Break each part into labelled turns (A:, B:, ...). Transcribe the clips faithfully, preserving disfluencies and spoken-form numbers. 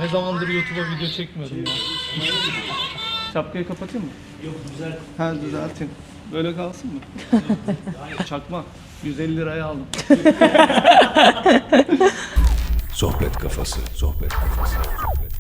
A: Ne zamandır YouTube'a video çekmiyorum ya. Şapkayı kapatayım mı?
B: Yok güzel.
A: Ha düzelteyim. Böyle kalsın mı? Çakma. yüz elli liraya aldım.
C: Sohbet kafası, sohbet kafası, sohbet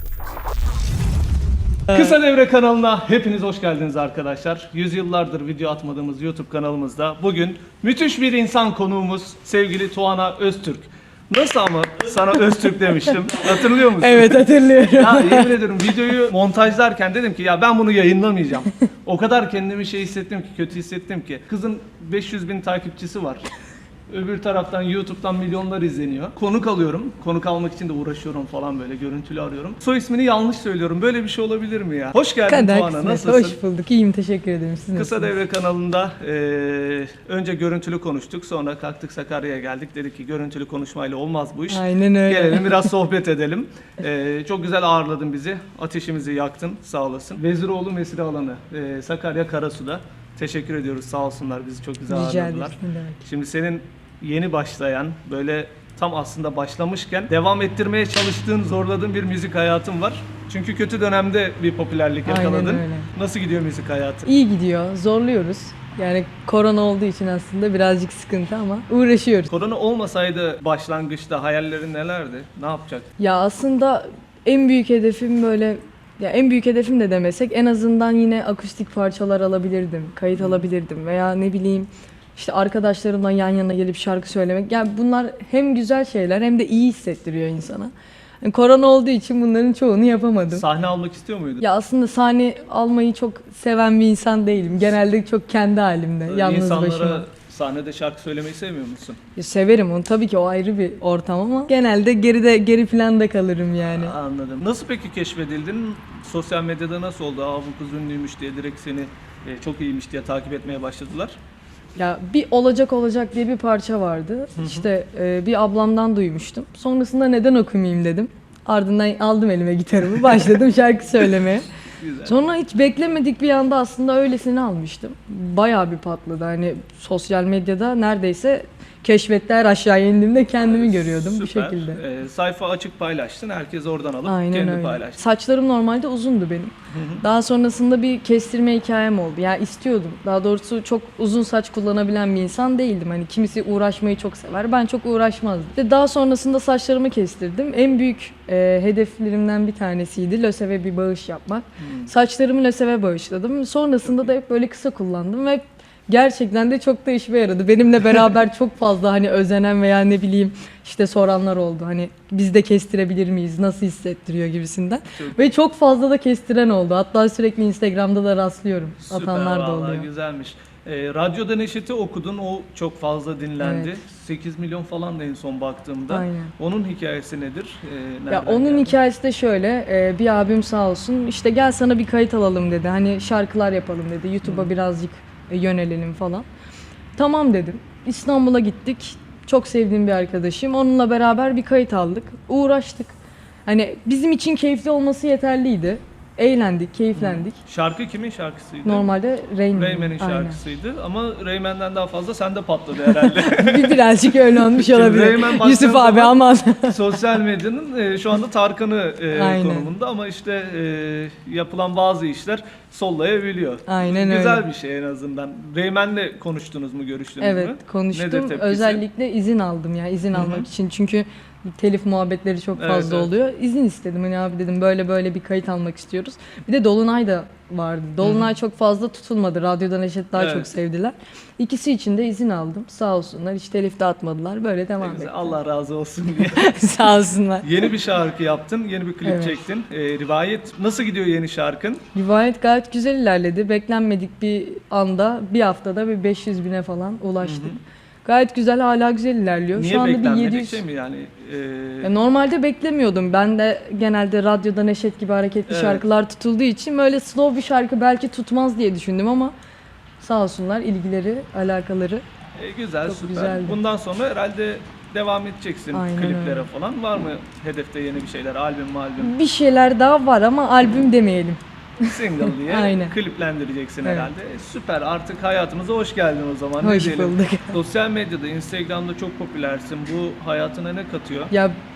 C: kafası.
A: Kısa Devre kanalına hepiniz hoş geldiniz arkadaşlar. Yüzyıllardır video atmadığımız YouTube kanalımızda bugün müthiş bir insan konuğumuz sevgili Tuana Öztürk. Nasıl ama sana Öztürk demiştim. Hatırlıyor musun?
D: Evet hatırlıyorum.
A: Ya yemin ediyorum videoyu montajlarken dedim ki ya ben bunu yayınlamayacağım. O kadar kendimi şey hissettim ki, kötü hissettim ki. Kızın beş yüz bin takipçisi var. Öbür taraftan YouTube'dan milyonlar izleniyor. Konuk alıyorum. Konuk almak için de uğraşıyorum falan böyle. Görüntülü arıyorum. Soy ismini yanlış söylüyorum. Böyle bir şey olabilir mi ya? Hoş geldin
D: Kadar
A: Tuana.
D: kısmet.
A: Nasılsın?
D: Hoş bulduk. İyiyim. Teşekkür ederim. Siz
A: Kısa
D: nasılsınız?
A: Devre kanalında eee, önce görüntülü konuştuk. Sonra kalktık Sakarya'ya geldik. Dedik ki görüntülü konuşmayla olmaz bu iş.
D: Aynen öyle.
A: Gelelim biraz sohbet edelim. Eee, çok güzel ağırladın bizi. Ateşimizi yaktın. Sağ olasın. Veziroğlu Mesire Alanı. eee, Sakarya Karasu'da. Teşekkür ediyoruz. Sağ olsunlar. Bizi çok güzel
D: Rica
A: ağırladılar.
D: ederiz. Ne demek.
A: Şimdi senin yeni başlayan, böyle tam aslında başlamışken devam ettirmeye çalıştığın, zorladığın bir müzik hayatın var. Çünkü kötü dönemde bir popülerlik
D: Aynen
A: yakaladın.
D: öyle.
A: Nasıl gidiyor müzik hayatı?
D: İyi gidiyor. Zorluyoruz. Yani korona olduğu için aslında birazcık sıkıntı ama uğraşıyoruz.
A: Korona olmasaydı başlangıçta hayallerin nelerdi? Ne yapacaktın?
D: Ya aslında en büyük hedefim böyle ya en büyük hedefim de demesek en azından yine akustik parçalar alabilirdim, kayıt alabilirdim veya ne bileyim işte arkadaşlarımla yan yana gelip şarkı söylemek. Yani bunlar hem güzel şeyler hem de iyi hissettiriyor insana. Yani korona olduğu için bunların çoğunu yapamadım.
A: Sahne almak istiyor muydun?
D: Ya aslında sahne almayı çok seven bir insan değilim. Genelde çok kendi halimde,
A: Ee,
D: yalnız
A: İnsanlara
D: başıma.
A: sahnede şarkı söylemeyi sevmiyor musun?
D: Ya severim onu tabii ki o ayrı bir ortam ama genelde geride geri planda kalırım yani.
A: Anladım. Nasıl peki keşfedildin? Sosyal medyada nasıl oldu? Aa bu kız ünlüymüş diye direkt seni e, çok iyiymiş diye takip etmeye başladılar.
D: Ya bir olacak olacak diye bir parça vardı. İşte e, bir ablamdan duymuştum. Sonrasında neden okumayayım dedim. Ardından aldım elime gitarımı, başladım şarkı söylemeye.
A: Güzel.
D: Sonra hiç beklemedik bir anda aslında öylesini almıştım. Bayağı bir patladı. Hani sosyal medyada neredeyse keşfette her aşağıya indiğimde kendimi görüyordum bu
A: Süper.
D: şekilde.
A: Ee, sayfa açık paylaştın. Herkes oradan alıp
D: Aynen
A: kendi
D: öyle.
A: paylaştı.
D: Saçlarım normalde uzundu benim. Daha sonrasında bir kestirme hikayem oldu. Yani istiyordum. Daha doğrusu çok uzun saç kullanabilen bir insan değildim. Hani kimisi uğraşmayı çok sever. Ben çok uğraşmazdım. Ve daha sonrasında saçlarımı kestirdim. En büyük e, hedeflerimden bir tanesiydi LÖSEV'e bir bağış yapmak. Saçlarımı LÖSEV'e bağışladım. Sonrasında da hep böyle kısa kullandım ve gerçekten de çok da işime yaradı. Benimle beraber çok fazla hani özenen veya ne bileyim işte soranlar oldu. Hani biz de kestirebilir miyiz? Nasıl hissettiriyor gibisinden.
A: Çok-
D: Ve çok fazla da kestiren oldu. Hatta sürekli Instagram'da da rastlıyorum.
A: Süper,
D: Atanlar da
A: vallahi
D: oluyor.
A: güzelmiş. Ee, Radyoda Neşet'i okudun. O çok fazla dinlendi.
D: Evet.
A: sekiz milyon falan da en son baktığımda.
D: Aynen.
A: Onun hikayesi nedir? Ee,
D: Ya
A: nereden
D: onun
A: geldi?
D: hikayesi de şöyle, e, bir abim sağ olsun işte gel sana bir kayıt alalım dedi. Hani şarkılar yapalım dedi. YouTube'a birazcık e, yönelelim falan. Tamam dedim. İstanbul'a gittik. Çok sevdiğim bir arkadaşım. Onunla beraber bir kayıt aldık. Uğraştık. Hani bizim için keyifli olması yeterliydi. Eğlendik, keyiflendik.
A: Şarkı kimin şarkısıydı?
D: Normalde Rain Man.
A: Rayman'in
D: Aynen.
A: şarkısıydı ama Rayman'den daha fazla sende patladı herhalde.
D: Bir birazcık öyle olmuş
A: Şimdi
D: olabilir.
A: Rayman baktığın
D: Yusuf abi
A: zaman-
D: aman.
A: Sosyal medyanın e, şu anda Tarkan'ı e,
D: Aynen.
A: konumunda ama işte e, yapılan bazı işler sollayabiliyor.
D: Aynen öyle.
A: Güzel bir şey en azından. Rayman'le konuştunuz mu, görüştünüz
D: Evet
A: mü?
D: konuştum.
A: Nedir tepkisi?
D: Özellikle izin aldım ya izin almak için. Çünkü telif muhabbetleri çok
A: Evet,
D: fazla
A: evet.
D: oluyor. İzin istedim. Hani abi dedim böyle böyle bir kayıt almak istiyoruz. Bir de Dolunay da vardı. Dolunay çok fazla tutulmadı. Radyodan Neşet daha
A: Evet.
D: çok sevdiler. İkisi için de izin aldım. Sağ olsunlar. Hiç telif dağıtmadılar. Böyle devam
A: Güzel,
D: etti.
A: Allah razı olsun diye.
D: Sağ olsunlar.
A: Yeni bir şarkı yaptın, yeni bir klip
D: Evet.
A: çektin. E, rivayet nasıl gidiyor yeni şarkın?
D: Rivayet gayet güzel ilerledi. Beklenmedik bir anda bir haftada bir beş yüz bine falan ulaştık. Gayet güzel, hala güzel ilerliyor.
A: Niye
D: Şu anda bir
A: beklenmedik
D: yedi yüz.
A: şey mi yani? E,
D: Ya normalde beklemiyordum. Ben de genelde radyoda Neşet gibi hareketli
A: Evet.
D: şarkılar tutulduğu için böyle slow bir şarkı belki tutmaz diye düşündüm ama sağ olsunlar ilgileri, alakaları.
A: e, güzel,
D: Çok
A: süper.
D: güzeldi.
A: Bundan sonra herhalde devam edeceksin
D: Aynen
A: kliplere
D: öyle.
A: falan. Var mı hedefte yeni bir şeyler? Albüm mü albüm?
D: Bir şeyler daha var ama albüm demeyelim.
A: Single diye
D: Aynen.
A: kliplendireceksin
D: Evet.
A: herhalde. E, süper, artık hayatımıza hoş geldin o zaman. Ne
D: Hoş
A: diyelim?
D: bulduk.
A: Sosyal medyada, Instagram'da çok popülersin. Bu hayatına ne katıyor?
D: Ya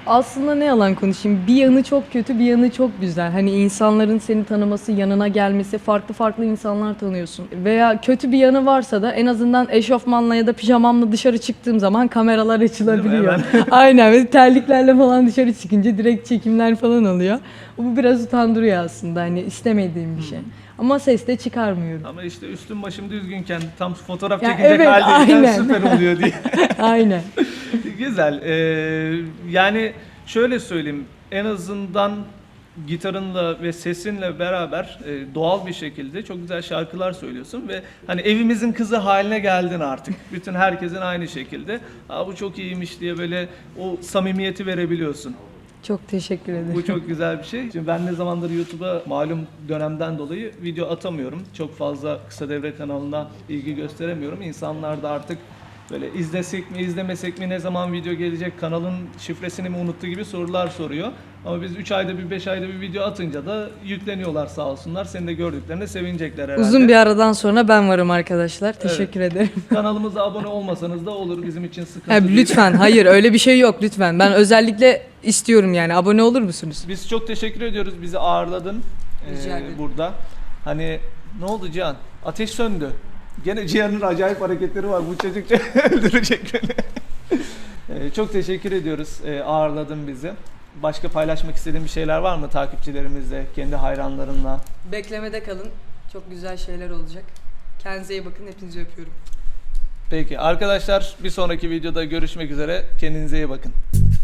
D: Aslında ne yalan konuşayım, bir yanı çok kötü, bir yanı çok güzel. Hani insanların seni tanıması, yanına gelmesi, farklı farklı insanlar tanıyorsun. Veya kötü bir yanı varsa da en azından eşofmanla ya da pijamamla dışarı çıktığım zaman kameralar açılabiliyor. Aynen, ve terliklerle falan dışarı çıkınca direkt çekimler falan oluyor. Bu biraz utandırıyor aslında, hani istemediğim bir şey. Ama ses de çıkarmıyorum.
A: Ama işte üstün başım düzgünken tam fotoğraf
D: Ya
A: çekecek
D: evet,
A: haldeyken
D: aynen.
A: süper oluyor diye.
D: Aynen.
A: Güzel. Ee, yani şöyle söyleyeyim. En azından gitarınla ve sesinle beraber e, doğal bir şekilde çok güzel şarkılar söylüyorsun ve hani evimizin kızı haline geldin artık. Bütün herkesin aynı şekilde. Aa, bu çok iyiymiş diye böyle o samimiyeti verebiliyorsun.
D: Çok teşekkür ederim.
A: Bu çok güzel bir şey. Şimdi ben ne zamandır YouTube'a malum dönemden dolayı video atamıyorum. Çok fazla kısa devre kanalına ilgi gösteremiyorum. İnsanlar da artık böyle izlesek mi izlemesek mi, ne zaman video gelecek, kanalın şifresini mi unuttu gibi sorular soruyor. Ama biz üç ayda bir, beş ayda bir video atınca da yükleniyorlar sağ olsunlar. Seni de gördüklerinde sevinecekler herhalde.
D: Uzun bir aradan sonra ben varım arkadaşlar. Teşekkür ederim.
A: Kanalımıza abone olmasanız da olur, bizim için sıkıntı
D: Ha,
A: değil.
D: lütfen, hayır öyle bir şey yok lütfen. Ben özellikle istiyorum yani. Abone olur musunuz?
A: Biz çok teşekkür ediyoruz. Bizi ağırladın
D: Rica
A: ee,
D: ederim.
A: burada. Hani ne oldu Cihan? Ateş söndü. Gene Cihan'ın acayip hareketleri var. Bu çocuk öldürecek beni. Ee, çok teşekkür ediyoruz. Ee, ağırladın bizi. Başka paylaşmak istediğin bir şeyler var mı takipçilerimizle, kendi hayranlarınla?
D: Beklemede kalın. Çok güzel şeyler olacak. Kendinize iyi bakın. Hepinizi öpüyorum.
A: Peki arkadaşlar, bir sonraki videoda görüşmek üzere. Kendinize iyi bakın.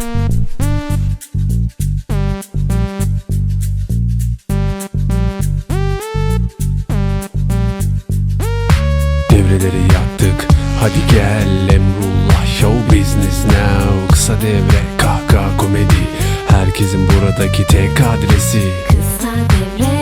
C: Devreleri yaktık, hadi gel Emrullah, show business now. Kısa devre, kahkaha komedi, herkesin buradaki tek adresi.
B: Kısa devre